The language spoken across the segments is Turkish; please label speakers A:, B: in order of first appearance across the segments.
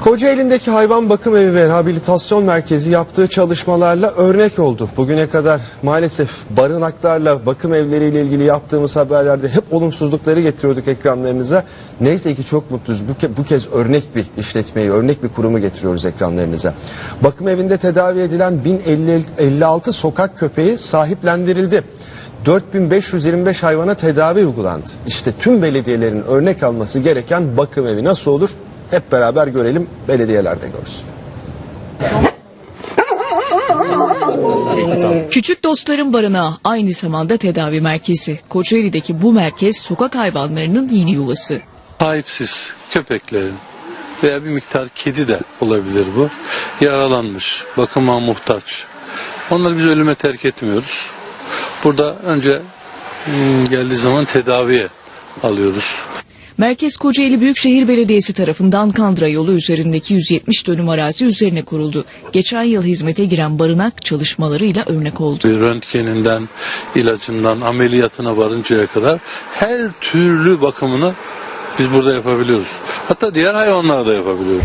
A: Kocaeli'ndeki hayvan bakım evi ve rehabilitasyon merkezi yaptığı çalışmalarla örnek oldu. Bugüne kadar maalesef barınaklarla, bakım evleriyle ilgili yaptığımız haberlerde hep olumsuzlukları getiriyorduk ekranlarınıza. Neyse ki çok mutluyuz. Bu kez örnek bir işletmeyi, örnek bir kurumu getiriyoruz ekranlarınıza. Bakım evinde tedavi edilen 1056 sokak köpeği sahiplendirildi. 4525 hayvana tedavi uygulandı. İşte tüm belediyelerin örnek alması gereken bakım evi nasıl olur? Hep beraber görelim, belediyeler de görsün.
B: Küçük Dostların Barınağı aynı zamanda tedavi merkezi. Kocaeli'deki bu merkez sokak hayvanlarının yeni yuvası.
C: Sahipsiz köpeklerin veya bir miktar kedi de olabilir bu. Yaralanmış, bakıma muhtaç. Onları biz ölüme terk etmiyoruz. Burada önce geldiği zaman tedaviye alıyoruz.
B: Merkez Kocaeli Büyükşehir Belediyesi tarafından Kandıra yolu üzerindeki 170 dönüm arazi üzerine kuruldu. Geçen yıl hizmete giren barınak çalışmalarıyla örnek oldu.
C: Röntgeninden, ilacından, ameliyatına varıncaya kadar her türlü bakımını biz burada yapabiliyoruz. Hatta diğer hayvanlara da yapabiliyoruz.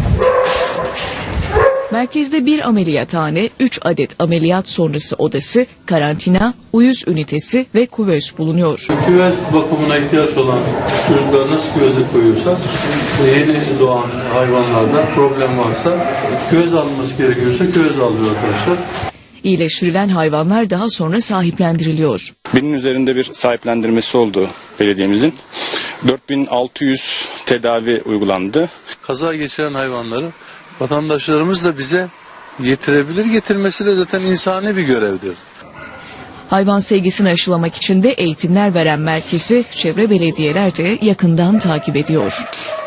B: Merkezde bir ameliyathane, 3 adet ameliyat sonrası odası, karantina, uyuz ünitesi ve küvez bulunuyor.
C: Küvez bakımına ihtiyaç olan çocuklar nasıl küveze koyuyorsa, yeni doğan hayvanlarda problem varsa küvez alınması gerekiyorsa küvez alıyor arkadaşlar.
B: İyileştirilen hayvanlar daha sonra sahiplendiriliyor.
D: Binin üzerinde bir sahiplendirmesi oldu belediyemizin. 4600 tedavi uygulandı.
C: Kaza geçiren hayvanları vatandaşlarımız da bize getirebilir. Getirmesi de zaten insani bir görevdir.
B: Hayvan sevgisini aşılamak için de eğitimler veren merkezi çevre belediyeler de yakından takip ediyor.